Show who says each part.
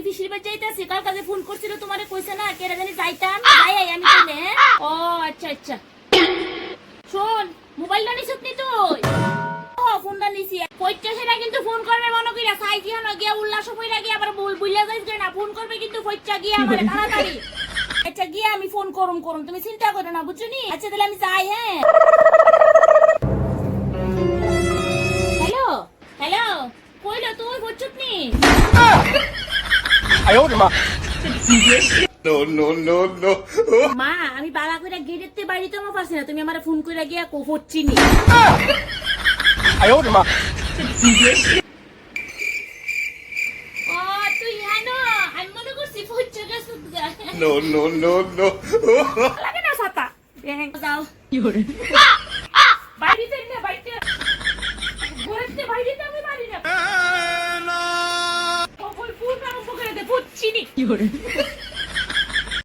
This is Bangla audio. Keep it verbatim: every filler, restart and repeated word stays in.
Speaker 1: ফিশির বাড়ি যাইতাছি, কাল কাজে ফোন করছিল তোমারে কইছে না কেরা জানি যাইতাম, যাই আই আমি কইলে। ও আচ্ছা আচ্ছা, শোন মোবাইলটা নিছিস নি তুই? ও ফোনটা নিছি, কইতে সেটা কিন্তু ফোন করবে মনে কইরা, সাইজিয়া না গিয়া উল্লাস কইরা গিয়া আবার ভুল বুইলা যাইছ না, ফোন করবে কিন্তু কইটা গিয়া আমারে তাড়াতাড়ি। আচ্ছা গিয়া আমি ফোন করুম করুম, তুমি চিন্তা করো না বুঝছনি। আচ্ছা তাহলে আমি যাই। হ্যাঁ হ্যালো হ্যালো, কইলো তুই বুঝছস নি?
Speaker 2: আয় ওরে মা।
Speaker 3: No, no, no, no.
Speaker 1: মা আমি বালা কইরা গেটেতে বাড়িতে মো পারছি না, তুমি আমারে ফোন কইরা গিয়া কো হচ্ছি নি।
Speaker 2: আয় ওরে মা।
Speaker 1: ও তুই হানো, আমি মনে করছি ফুচ্চা গেছ।
Speaker 3: No, no, no, no.
Speaker 1: লাগে না ছাতা। ব্যাং যাও। কি হরে? বাড়িতে না বাইতে। ঘরেতে বাইরে আমি মারি না। ও ফুল ফুল কাম করে দে ফুচ্ছি নি। কি হরে?